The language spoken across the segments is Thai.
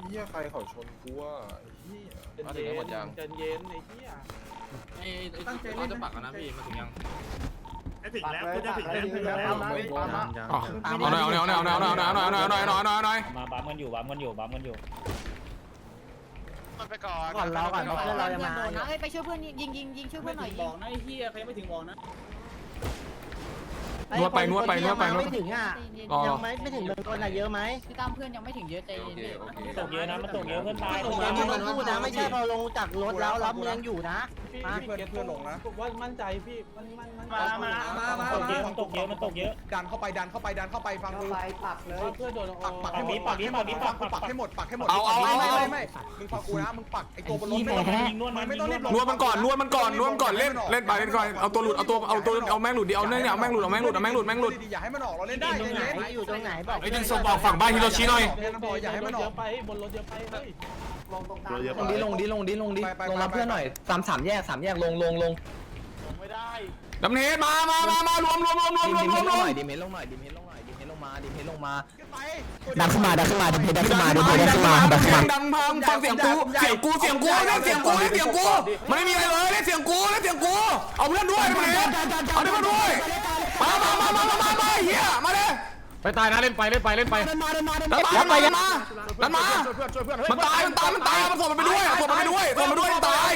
หี้ยใครเขาชนกูอ่ะไอ้เหี้ยมาถึงหมดยังใจเย็นไอ้เหี้ยตั้งใจเล่นจะปักนะพี่มาถึงยังถึงแล้วกูจะถึงแล้วไม่โดนนะเอาหน่อยเอาหน่อยเอาหน่อยเอาหน่อยเอาหน่อยเอาหน่อยเอาหน่อยเอาหน่อยเอาหน่อยมาบัมกันอยู่บัมกันอยู่บัมกันอยู่ไปก่อนก่อนเราก่อนเพื่อนเราจะมาไปช่วยเพื่อนยิงช่วยเพื่อนหน่อยบอกนะไอ้เฮียใครไม่ถึงบอกนะนวดไปนวดไปนวดไปนวดไม่ถึงอ่ะรอยังไม่ถึงเมืองต้นอะเยอะไหมพี่ตามเพื่อนยังไม่ถึงเยอะใจโอเย็นเคดิโอเคตกเยอะนะมันตกเยอะเพื่อนตายตรงนี้มึงต้องพูดนะไม่ใช่พอลงจากรถแล้วรับมึงยังอยู่นะเพื่อนลงนะว่ามั่นใจพี่มันมาตกเยอะมันตกเยอะมันตกเยอะดันเข้าไปฟังกูปักเลยเพื่อนโดนปักให้หมดปักให้หมดไม่มึงฟังกูนะมึงปักไอ้ตัวบนรถไม่ต้องยิงนวดมันไม่ต้องรีบลงนวดมันก่อนนวดมันก่อนนวดมันก่อนเล่นเล่นไปเล่นก่อนเอาตัวหลุดเอาแม่งหลุดดิเอาเนี่ยเอาแม่งหลุดเอาแม่งหลุดเอาแม่งหลุดแม่งหลุดอย่าให้มันออกเราเล่นได้ตรงไหนอยู่ตรงไหนบอกไอ้ดึงศพออกฝั่งบ้านฮิโรชิหน่อยอย่าให้มันอเยอกอะไปบนรถเยอะไปเฮ้ยลงลงรับเพื่อนหน่อยสามแยกลงดำเนินมารวมดิเมนลงหน่อยดันขึ้นมาดิเพดันขึ้นมาดังพังฟังเสียงกูมันไม่มีอะไรเลยเสียงกูเอาเพื่อนด้วยดำเนินเอาเพื่อนด้วยมาเฮียมาเลยไปตายนะเล่นไปดันมามันตายมันส่งมันไปด้วยตาย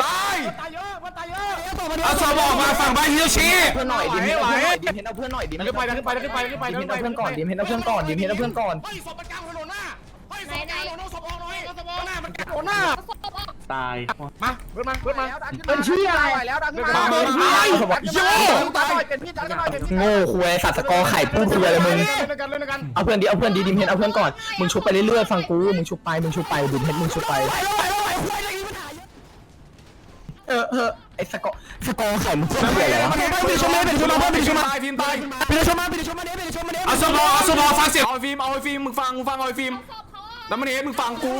เอาศพออกมาฝั่งบ้านฮิโรชิเพื่อนหน่อยดิเมนเอาเพื่อนหน่อยดิเมนเอาเพื่อนก่อนดิเมนเอาเพื่อนก่อนเฮ้ยศพมันกลางถนนหน้าเฮ้ยศพมันกลางถนนศพออกหน่อยศพออกหน้ามันกลางถนนหน้าตายมาเพื่อนมาเป็นชื่ออะไรแล้วดันขึ้นมาเป็นชื่อโย่โง่คุยสัตว์สกอไข่พูดคุยอะไรมึงเล่นกันเอาเพื่อนดีดิเมนเอาเพื่อนก่อนมึงชุบไปเรื่อยๆฟังกูมึงชุบไปดิเมนมึงชุบไปไอ้สกอไข่มึงพูดคุยอะไรวะไปชมมาฟิล์มตายเอาศพออกฟังเสียงเอาฟิล์มมึงฟังเอาฟิล์มแล้วมันเห็นมึงฟังกู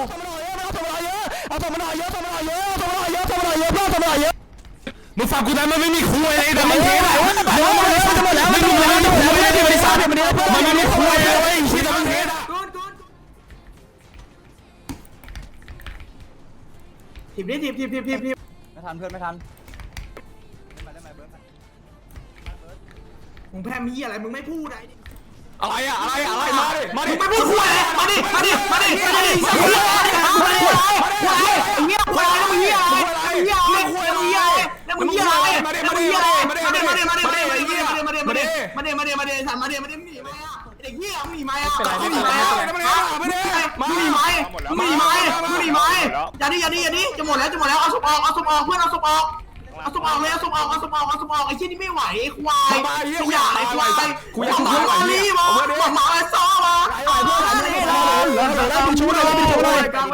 มึงฟังกูนะมันไม่มีคุยอะไรแต่มันเท่อะไม่มีอะไรไม่ได้บริษัทมันไม่มีคุยเลยคุยแต่มันเท่อะทีมไม่ทันเพื่อนไม่ทันมึงแพ้มีอะไรมึงไม่พูดอะไรมาดิมึงไม่พูดคุยมาดิควายแล้วมึงเหี้ยแล้วมึงเหี้ยอะไรมาดิหนีไหมอ่ะเด็กเหี้ยมึงหนีไหมอ่ะมึงหนีไหมอย่าดิจะหมดแล้วเอาศพออกเพื่อนเอาศพออกไอ้เชี่ยนี่ไม่ไหวไอ้ควายอย่าไอ้ควายกูอยากมาลีมาหมาไอ้ซ้อมาได้บินชูมาเพื่อนขึ้น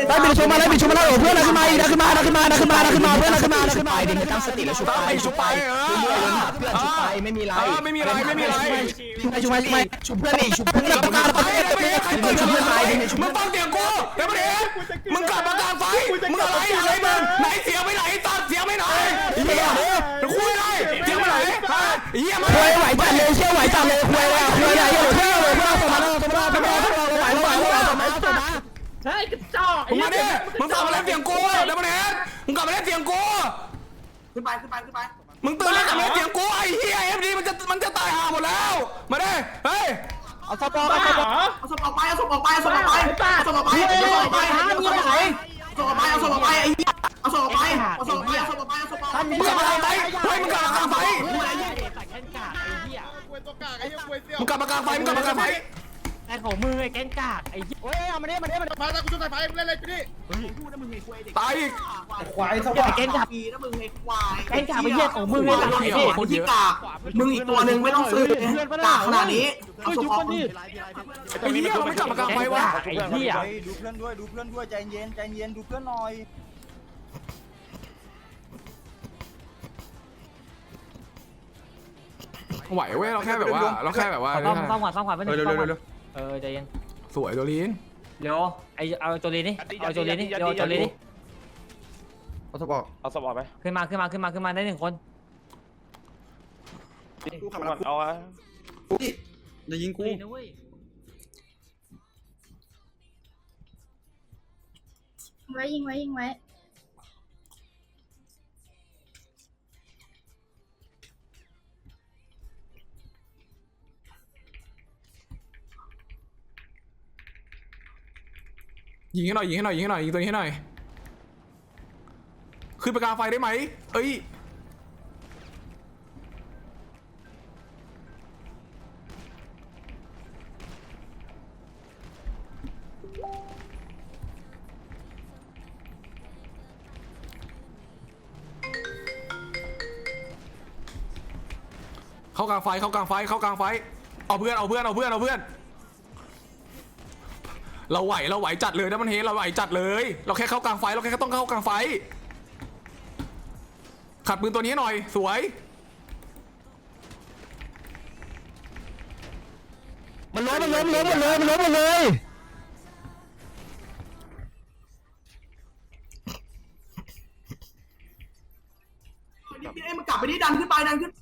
มาดิตั้งสติแล้วชุบไปไม่มีไรชุบเพื่อนกลับมามึงฟังเสียงกูแล้วมันเห็นมึงกลับมากลางไฟมึงอะไรมึงไหนเสียงไปไหนตัดเสียงไปไหนเฮียคุยเลยเสียงไปไหนเฮียมาไหวจัดเลยเชี่ยวไหวจัดเลยคุยเลยใช่กระจอกมึงมาดิมึงกลับมาเล่นเสียงกูแล้วมันเห็นมึงกลับมาเล่นเสียงกูขึ้นไปมึงตื่นแล้วกลับมาเล่นเสียงกูไอ้เฮียFDมันจะตายห่าหมดแล้วมาดิเฮ้ยเอาศพออกไปไอ้เหี้ยเอาศพออกไปมึงกลับมากลางไฟเฮ้ยมึงกลับมากลางไฟมึงกลับมากลางไฟไอ้ของมือไอ้แกงกากไอ้เฮ้ยเอามาเนี่ยตายอีกควายสวัสดิ์แกงกาปีนะมึงไอ้ควายแกงกาไปเหี้ยของมึงเลยคนที่กากมึงอีกตัวหนึ่งไม่ต้องซื้อกากขนาดนี้เอาศพออกไอ้เหี้ยมันกลับมากลางไฟวะไอ้เหี้ยดูเพื่อนด้วยใจเย็นดูเพื่อนหน่อยไหวเว้ยเราแค่แบบว่าซ่อมขวาไปหนึ่งใจเย็นสวยโจลีนเร็วเอาโจลีนี่เอาโจลีนี่เร็วโจลีนี่เอาศพออกไปขึ้นมาได้หนึ่งคนเอาอะจะยิงกูยิงไว้ยิงให้หน่อยยิงตัวนี้ให้หน่อยขึ้นไปกลางไฟได้ไหมเอ้ยเข้ากลางไฟเอาเพื่อนเราไหวจัดเลยนะมันเฮเราไหวจัดเลยเราแค่เข้ากลางไฟเราแค่ต้องเข้ากลางไฟขัดปืนตัวนี้หน่อยสวยมันล้มหมดเลยนี่มันกลับไปนี่ดันขึ้นไปเล่นกับ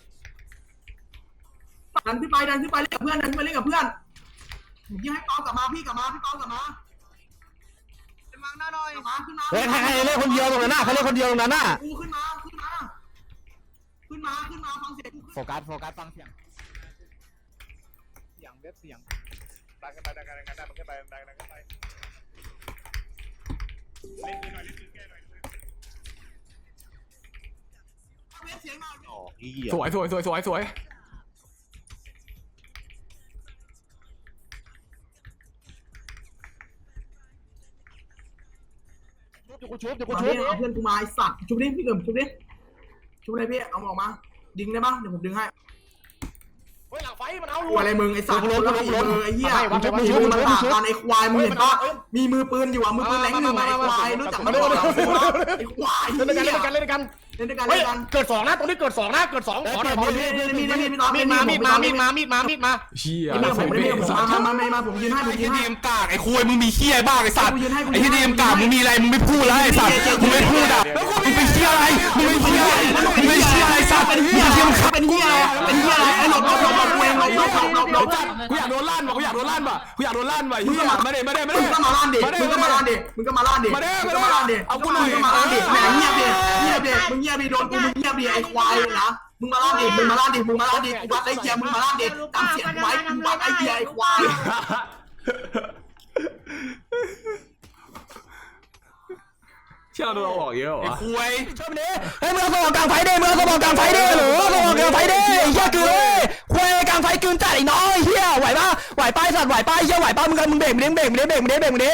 เพื่อนยิงให้เปากลับมาพี่กลับมาพี่เปากลับมาขึ้นมาหน้าหน่อยขึ้นมาเฮ้ยใครเล่นคนเดียวตรงนั้นน่ะเขาเล่นคนเดียวตรงนั้นน่ะกูขึ้นมาฟังเสียงกูโฟกัสฟังเสียงดันกันไปมันขึ้นไปดันกันไปเล่นหน่อยแก้หน่อยเสียงหน่อยสวยกูชุบเอาเพื่อนกูมาไอสัตว์ชุบดิพี่เกิมชุบเลยพี่เอาออกมาดึงได้ปะเดี๋ยวผมดึงให้เฮ้ยหลังไฟมันเอากูอะไรมึงไอสัตว์ไอ้เหี้ยมึงมันปากกันไอควายมึงเห็นปะมีมือปืนอยู่อ่ะมือปืนแรงหนึ่งไอควายรู้จักมันหรอไอควายเล่นด้วยกันเกิด2นะตรงนี้เกิด2นะเกิด2ขอหน่อยมีดมาเชี่ยผมยืนให้ไอ้ที่ดีมกากไอ้คุยมึงมีเชี่ยบ้างไอ้สัตว์ไอ้ที่ดีมกากมึงมีอะไรมึงไม่พูดแล้วไอ้สัตว์มึงไม่พูดอ่ะมึงเป็นเชี่ยอะไรสัตว์มึงเชี่ยมึงขับเป็นเหี้ยไอ้หลบจัดกูอยากโดนลั่นป่ะเฮียมาเด้มึงก็มาล่านดิเอากูหน่อยมาล่านดิแหมเงียบดิมึงเงียบดิโดนกูมึงเงียบดิไอ้ควายนะมึงมาล่านดิกูวัดไอ้เหี้ยมึงมาล่านดิตามเสียงไว้กูวัดไอ้เหี้ยไอ้ควายเชี่ยเราโดนออกเยอะเหรอคุยชอบนี้เฮ้ยมึงเอาสมองกลางไฟดิหรือสมองกลางไฟดิเฮียคือเลยคุยกลางไฟกลืนจัดไอ้น้อยเฮียไหวป้ายสัตว์ไหวป้ายเฮียไหวป้ามึงเบรกมึงดิ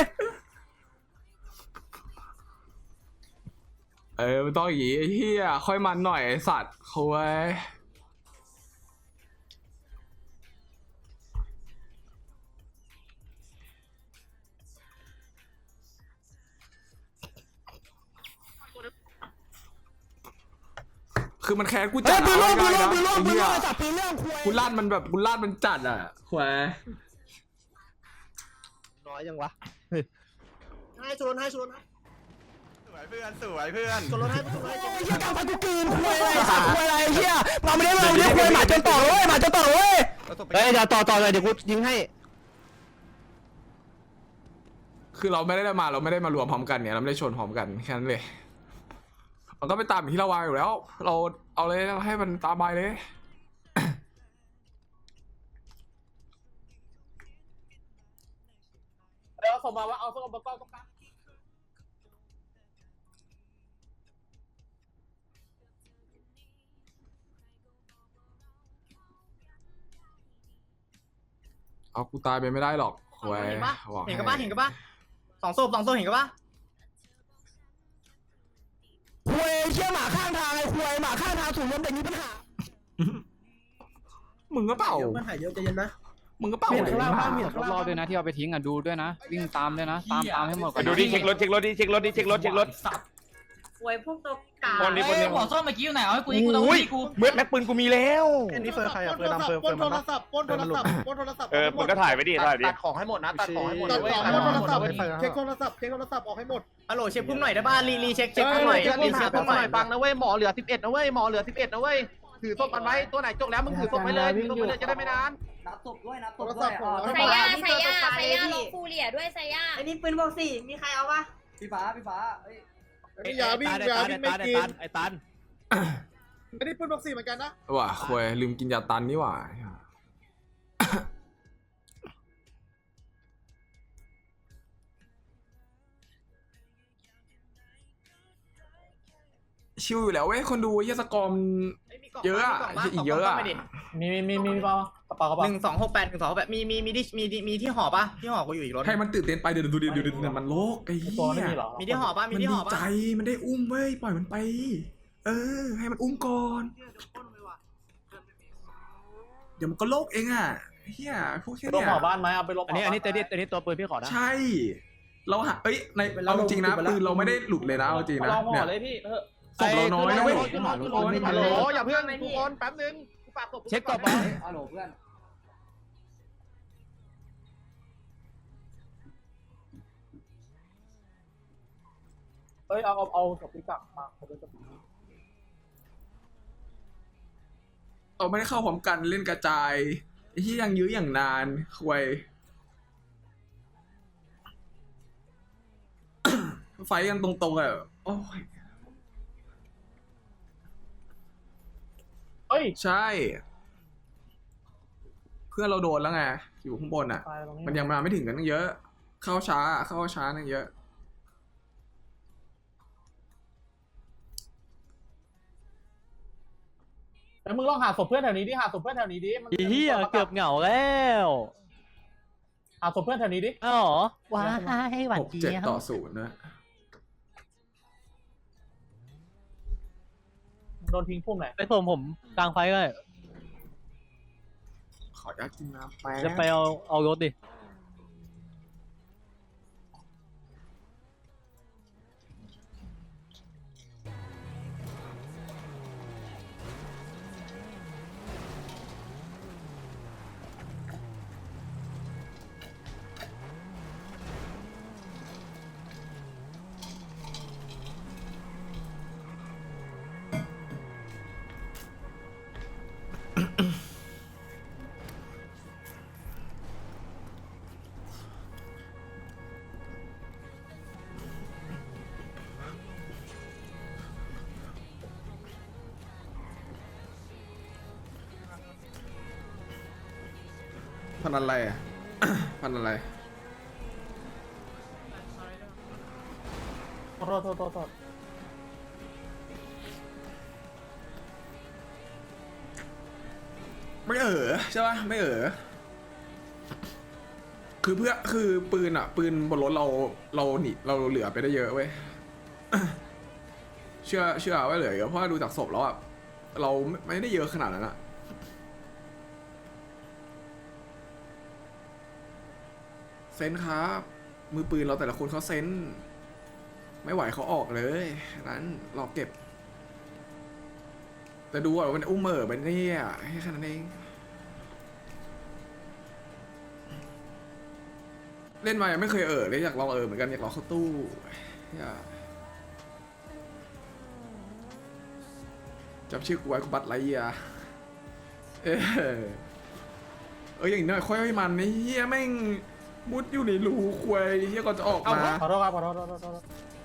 มันต้องอย่างงี้ไอ้เหี้ยค่อยมันหน่อยไอ้สัตว์คุยคือมันแค้นกูจัดปืนล่วงจับปืนเรื่องกูลั่นมันจัดอ่ะคุยน้อยยังวะให้ชนนะสวยเพื่อนชนรถให้เฮียกลางไฟกูกลืนคุยอะไรสัตว์คุยอะไรเฮียมาไม่ได้คุยหมาจนต่อเลยเฮ้ยจะต่อเลยเดี๋ยวกูยิงให้คือเราไม่ได้มารวมพร้อมกันเนี่ยเราไม่ได้ชนพร้อมกันแค่นั้นเลยมันก็ไปตามที่เราวางอยู่แล้วเราเอาเลยให้มันตามไปเลยเอาส่งมาว่าเอาส่งมาก้อนตรงกลางเอากูตายไปไม่ได้หรอกโว้ยเห็นปะ2 ศพเห็นกันปะคุยเชี่ยหมาข้างทางไอ้คุยหมาข้างทางถูกล้มเด็กมีปัญหามึงก็เปล่ามันหายเยอะใจเย็นนะมึงก็เปล่าเลยรอบด้วยนะที่เอาไปทิ้งอ่ะดูด้วยนะวิ่งตามด้วยนะตามให้หมดก่อนดูดิเช็ครถโวยพวกตัวกาคนนี้หัวส้มเมื่อกี้อยู่ไหนเอาให้กูต้องกูเมื่อแม็กปืนกูมีแล้วอันนี้เฟิร์นใครอะเฟิร์นดำเฟิร์นมันปล้นโทรศัพท์มึงก็ถ่ายไปดิตัดของให้หมดนะตัดของให้หมดเช็คโทรศัพท์ออกให้หมดฮัลโหลเช็คพุ่มหน่อยได้ป่ะรีเช็คพุ่มหน่อยรีเช็คพุ่มหน่อยฟังนะเว้ยหมอเหลือ11นะเว้ยหมอเหลือ11นะเว้ยถือศพกันไว้ตัวไหนจกแล้วมึงถือศพไปเลยจะได้ไม่นานนับศพด้วยใส่ย่าลงฟูเรียด้วยใส่ย่าไอ้นี่ปืนบอก4มีใครเอาปะพี่ฟ้าเอ้ยอย่าวิ่งไม่กินไอ้ตันไม่ได้ปืนบ็อกซี่เหมือนกันนะว่ะควยลืมกินยาตันนี่หว่าชิวอยู่แล้วเว้ยคนดูเฮียสกอร์มเยอะอะอีกเยอะอะมีเปล่ากระเป๋ากระเป๋า 128มีที่ห่อปะที่ห่อกูอยู่อีกรถให้มันตื่นเต้นไปเดี๋ยวดูมันโลกไอ้เหี้ตัวไม่ยมีหรอมีที่ห่อปะมีมันที่ดีห่อปะใจมันได้อุ้มเว้ยปล่อยมันไปให้มันอุ้มก่อนเดี๋ยวมันก็โลกเองอ่ะเฮียพวกแค่ลเนี้งยหอบ้านไหมเอาไปลงอันนี้ตัวปืนพี่ขอนะใช่เราหาในเอาจริงนะปืนเราไม่ได้หลุดเลยนะเอาจริงนะลองห่เนี่อย เลยพี่ศพเราน้อยนะเว้ยฮัลโหลอย่าเพิ่งทุกคนแป๊บนึงกูฝากศพเช็คก่อนฮัลโหลเพื่อนเอ้ยเอาศพพี่กลับมาเราไม่ได้เข้าพร้อมกันเล่นกระจายไอ้ที่ยังยื้ออย่างนานควย ไฟกันตรงๆอ่ะโอ้ยเฮ้ยใช่เพื่อนเราโดนแล้วไงอยู่ข้างบนอ่ะ มันยังมาไม่ถึงกันตั้งเยอะ เข้าช้าตั้งเยอะแล้วมึงลองหาศพเพื่อนแถวนี้ดิหาศพเพื่อนแถวนี้ดิเฮียเกือบเหงาแล้วหาศพเพื่อนแถวนี้ดิอ๋อว้ายหวัดเจี๊ยบ 6-7-0นะโดนทิ้งพุ่มไหนไปผมกลางไฟก็ได้ขออยากกินน้ำแป๊จะไปบเอารถดิพันอะไรอ่ะ พันอะไรโทษไม่ใช่ป่ะไม่คือปืนอ่ะปืนบนรถเราหนีเราเหลือไปได้เยอะเว้ย เชื่อว่าเหลือเยอะเพราะว่าดูจากศพแล้วอ่ะเราไม่ได้เยอะขนาดนั้นอ่ะเซนครับมือปืนเราแต่ละคนเขาเซนไม่ไหวเขาออกเลยนั้นรอเก็บแต่ดูว่าเป็นอุ้มเป็นนี่อ่ะให้แค่นั้นเองเล่นมายังไม่เคยเลยอยากลองเหมือนกันอยากลองเข้าตู้จำชื่อกูไว้กูบัตรไรอ่ะอย่างน้อยค่อยมันนี่เฮียแม่งมุดอยู่ในรูควยเฮียก่อนจะออกมาขอโทษครับขอโทษ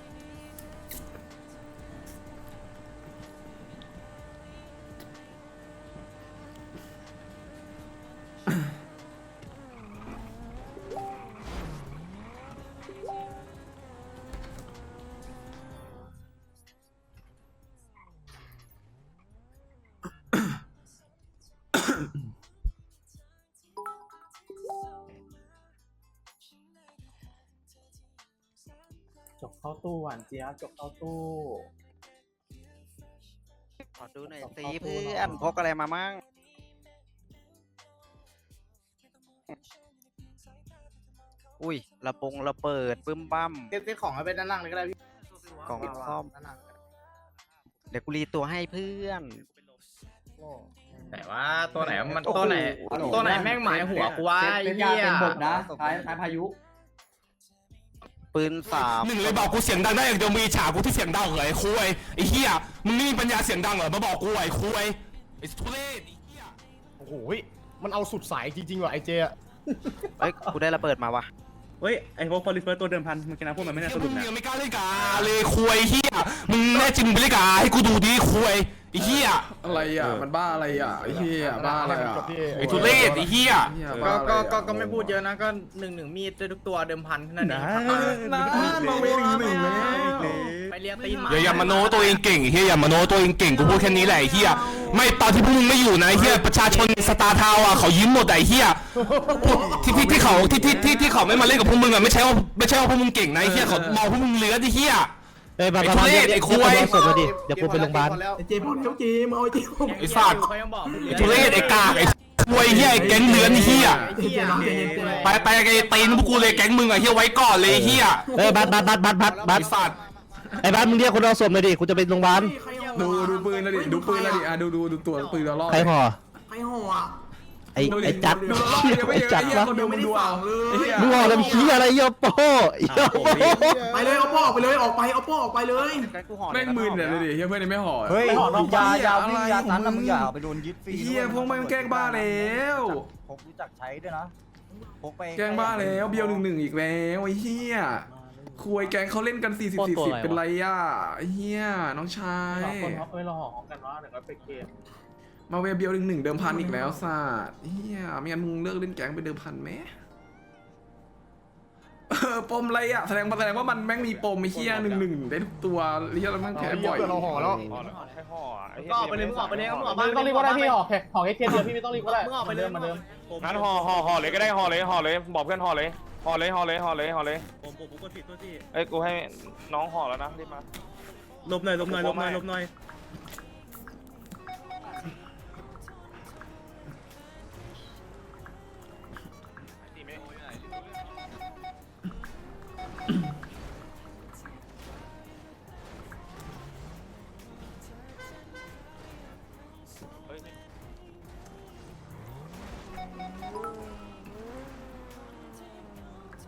จกเข้าตู้หวานเจี๊ยบจกเข้าตู้ขอดูหน่อยสิเพื่อนพกอะไรมามั่งอุ้ยระเบิดปึ้มบั้มเซ็ตของให้เป็นด้านล่างเลยก็ได้พี่กล่องซ่อมเดี๋ยวกูรีตัวให้เพื่อนแต่ว่าตัวไหนมันตัวไหนแม่งหมายหัวกูว่าไอ้เหี้ยเป็นบทนะท้ายพายุปืน3 หนึ่งเลยบอกกูเสียงดังได้อย่างเดียวมีฉากกูที่เสียงดังเหรอไอ้คุยไอ้เหี้ยมึงนี่มีปัญญาเสียงดังเหรอมาบอกกูไอ้คุยไอ้ทุเรศโอ้โหมันเอาสุดสายจริงๆว่ะไอเจเอ้ยกูได้ระเบิดมาวะเฮ้ยไอ้พวกพอลิเฟอร์ตัวเดิมพันมันชนะพวกมันไม่น่าสมึรุปงนะยังไม่กล้าเล่นกาเลยควยเฮียมึงแน่จริงมึงไปเล่นกาให้กูดูดิควยไอ้เฮียอะไรอ่ะมันบ้าอะไรอ่ะไอ้เหี้ยบ้าอะไรอ่ะไอ้ทุเรศไอ้เฮียก็ไม่พูดเยอะนะก็1-1มีดทุกตัวเดิมพันแค่นั้นเองมาเวง1แล้วไปเรียกตีนหมาอย่ามาโน้ตัวเองเก่งไอ้เฮียอย่ามาโน้ตัวเองเก่งกูพูดแค่นี้แหละไอ้เฮียไม่ตอนที่พวกมึงไม่อยู่นะไอ้เฮียประชาชนสตาร์ทาวน์อ่ะเขายิ้มหมดไอ้เฮียที่เขาไม่มาเล่นกับพวกมึงอ่ะไม่ใช่ว่าพวกมึงเก่งนะไอ้เฮียเขามองพวกมึงเลือดไอ้เฮียเอ้ยไอ้ทุเรศไอ้ควยศพมาดิเดี๋ยวกูไปโรงพยาบาลไอ้เจพอแล้วเจมึงเอาไอ้เจไอ้สัตว์เขายังบอกไอ้ทุเรศไอ้กากไอ้ควยเฮียไอ้แก๊งเลือนไอ้เฮียไปไอ้ตีนพวกกูเลยแก๊งมึงอ่ะเฮียไว้ก่อนเลยไอ้เฮียเอ้ยบัสไอ้สัตว์ไอ้บัสมึงเรียกคนเอาศพมาดิกูจะไปโรงพยาบาลดูปืนแล้วดิดูปืนแล้วดิอ่ะดูตัวปืนเราล่อใครห่อใครห่ออ่ะไอ้จัดดูล่อยังไม่เยอะจัดไอ้เหี้ยวะคนดูมึงดูเอามึงห่อแล้วขี้อะไรเยอะโป้เยอะโป้ไปเลยเอาโป้ออกไปเลยออกไปเอาโป้ออกไปเลยแม่งมึนเนี่ยเลยดิเฮียเพื่อนนี่ไม่ห่อเฮ้ยยาวิ่งยาตันแล้วมึงอย่าไปโดนยึดฟรีเฮียพวกมันแกล้งบ้าแล้วผมรู้จักใช้ด้วยนะพกไปแกล้งบ้าแล้วเบียว1-1อีกแล้วไอ้เฮียคุยแกงเขาเล่นกัน40-40เป็นไรอ่ะเฮียน้องชายคนเขาไปรอหอกันว่าเดี๋ยวก็ไปเกมมาเวเบียว1-1เดิมพันอีกแล้วสัตว์เฮียไม่งั้นมึงเลิกเล่นแกงไปเดิมพันไหมปมอะไรอ่ะแสดงว่ามันแม่งมีปมไอ้เฮีย1-1ได้ทุกตัวเฮียแล้วแม่งแพ้บ่อยห่อแล้วให้ห่อก็ออกไปเลยมึงออกไปเลยมึงออกมาไม่ต้องรีบก็ได้พี่ออกแค่เดียวพี่ไม่ต้องรีบก็ได้มึงออกไปเลยมาเดิมงั้นห่อเลยก็ได้ห่อเลยบอกเพื่อนห่อเลยผมกดผิดตัวที่เอ้ยกูให้น้องห่อแล้วนะรีบมาลบหน่อย